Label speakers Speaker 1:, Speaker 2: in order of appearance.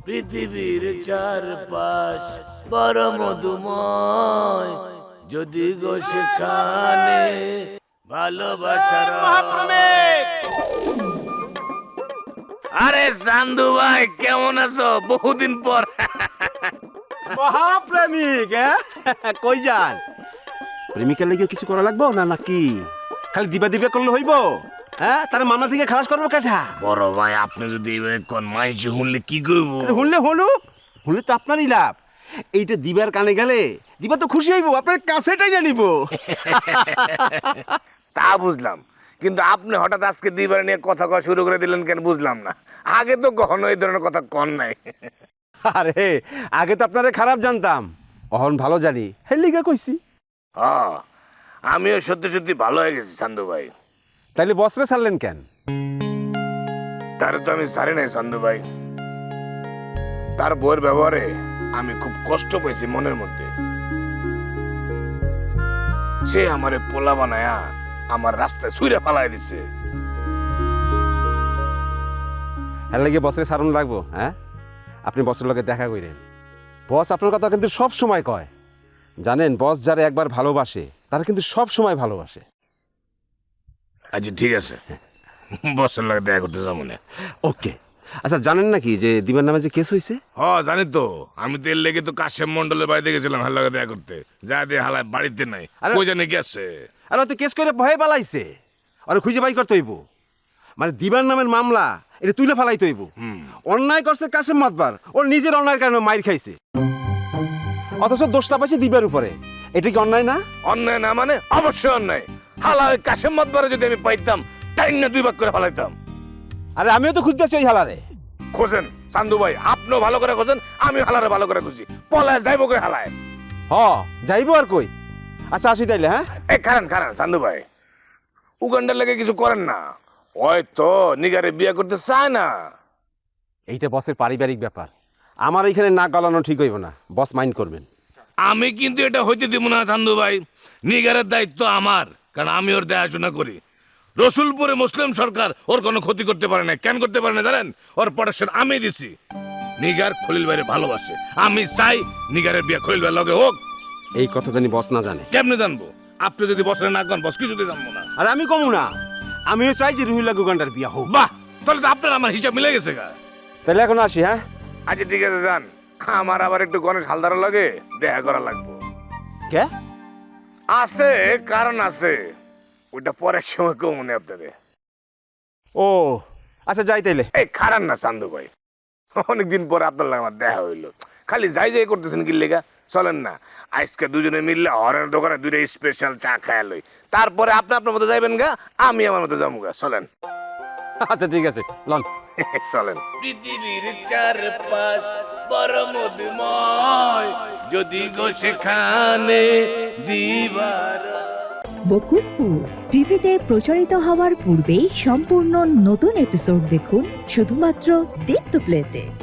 Speaker 1: পৃথিবীর চারপাশ বড় মধুময়, যদি গো সেখানে ভালোবাসার আরে চান্দু ভাই কেমন আছো? বহুদিন পর।
Speaker 2: মহাপ্রেমিক কই যান? প্রেমিকের লেগে কিছু করা লাগবো না নাকি? খালি দিবা দিবা করলে হইব? তার মামলা থেকে খালাস করবো কেটা?
Speaker 1: বড় ভাই আপনি যদি এইভাবে কোন মাইসে শুনলে কি করবো?
Speaker 2: শুনলে শুনলে তো আপনারই লাভ। এইটা দিবার কানে গেলে দিবা তো খুশি হইব, আপনার কাছেটাই না নিব।
Speaker 1: তা বুঝলাম, কিন্তু আপনি হঠাৎ আজকে দিবার নিয়ে কথা কওয়া শুরু করে দিলেন কেন বুঝলাম না। আগে তো কখনো এই ধরনের কথা কন নাই।
Speaker 2: আরে আগে তো আপনারে খারাপ জানতাম, অহন ভালো জানি, হেলিগা কইছি।
Speaker 1: আমিও সত্যি সত্যি ভালো হয়ে গেছি চান্দু ভাই।
Speaker 2: তাইলে বসরে ছাড়লেন কেন?
Speaker 1: তারে তো আমি ছাড়ি নাই চান্দু ভাই। তার বউয়ের ব্যবহারে আমি খুব কষ্ট পেয়েছি মনের মধ্যে। সে আমারে পোলা বানায়া আমার রাস্তায় ছুঁড়ে ফালাই দিছে।
Speaker 2: এর লাগে বসরে ছাড়ুন লাগবো? আপনি বসের লগে দেখা করেন। বস আপনার কথা কিন্তু সব সময় কয়, জানেন? বস যারা একবার ভালোবাসে তারা কিন্তু সব সময় ভালোবাসে।
Speaker 1: আচ্ছা ঠিক আছে, বসের লাগে দেখা করতে যাবো না।
Speaker 2: ওকে। আচ্ছা জানেন নাকি যে দিবার নামে যে কেস হয়েছে?
Speaker 1: জানি তো। আমি তো এর লেগে তো কাশেম মন্ডলের বাড়িতে গেছিলাম হাল লাগে দেখা করতে। যা দিয়ে হালায় বাড়িতে নাই, কই জানে গেছে।
Speaker 2: আর তো কেস করে ভয়ে পালাইছে, আর খুঁজে বাই করতে হইব। মানে দিবার নামের মামলা এটা তুলে ফেলাইতে হইব। অন্যায় করছে কাশেম মাতবার, ওর নিজের অন্যায়ের কারণে মাইর খাইছে, অথচ দোষটা পাইছে দিবার উপরে। এটা কি অন্যায় না?
Speaker 1: অন্যায় না মানে অবশ্যই অন্যায়। হালা ওই কাশেম মাতবারে যদি আমি পাইতাম তাই না দুই ভাগ করে ফেলাইতাম।
Speaker 2: আরে আমিও তো খুঁজতেছি ওই হালারে।
Speaker 1: খোঁজেন চান্দু ভাই, আপনিও ভালো করে খোঁজেন, আমি হালারে ভালো করে খুঁজি। পলায় যাইবো কই হালায়?
Speaker 2: যাইবো আর কই। আচ্ছা আসি তাইলে।
Speaker 1: এই খারান চান্দু ভাই, উগান্ডার লেগে কিছু করেন না। ওই তো নিগারে বিয়ে করতে চায় না।
Speaker 2: এইটা বসের পারিবারিক ব্যাপার, আমার এইখানে না গলানো ঠিক হইব না। বস মাইন্ড করবেন।
Speaker 1: আমি কিন্তু এটা হইতে দিব না চান্দু ভাই। নিগারের দায়িত্ব আমার, কারণ আমি ওর দেখাশোনা করি। রসুলপুরে মুসলিম সরকার ওর কোনো ক্ষতি করতে পারে না। কেন করতে পারে না জানেন? ওর প্রোটেকশন আমি দিছি। নিগার খলিল ভাইয়ের ভালোবাসে, আমি চাই নিগারের বিয়ে খলিল ভাইয়ের লগে হোক।
Speaker 2: এই কথা জানি বস না জানে।
Speaker 1: কেমনে জানবো? আপনি যদি বসরে না করেন বস কিছুতে জানবো না।
Speaker 2: আর আমি কমু না, আমিও চাই যে রুহিলা গুগান্ডার বিয়া হোক।
Speaker 1: বাহ, তাহলে তো আপনার আমার হিসাব মিলে গেছে গা।
Speaker 2: তাহলে এখন আসি।
Speaker 1: আচ্ছা ঠিক আছে যান। আমার আবার একটু গণেশ হালদারের লগে দেখা করা লাগবো।
Speaker 2: কে?
Speaker 1: আছে, কারণ আছে, ওইটা পরের সময় কেউ মনে আপনাদের।
Speaker 2: ও আচ্ছা যাই তাইলে।
Speaker 1: এই খারান না চান্দু ভাই, অনেকদিন পরে আপনার লাগে আমার দেখা হইলো। খালি যাই করতেছেন কি লেগা? চলেন না আজকে দুজনে মিললে হরের দোকানে দুইটা স্পেশাল চা খায়া লই, তারপরে আপনি আপনার মতো যাইবেন গা, আমি আমার মতো যাবো গা। চলেন।
Speaker 2: আচ্ছা ঠিক আছে, লন।
Speaker 1: চলেন। পৃথিবীর চারপাশ বড় মধুময়, যদি গো সেখানে দিবার।
Speaker 3: বকুলপুর টিভিতে প্রচারিত হওয়ার পূর্বেই সম্পূর্ণ নতুন এপিসোড দেখুন শুধুমাত্র দীপ্ত প্লেতে।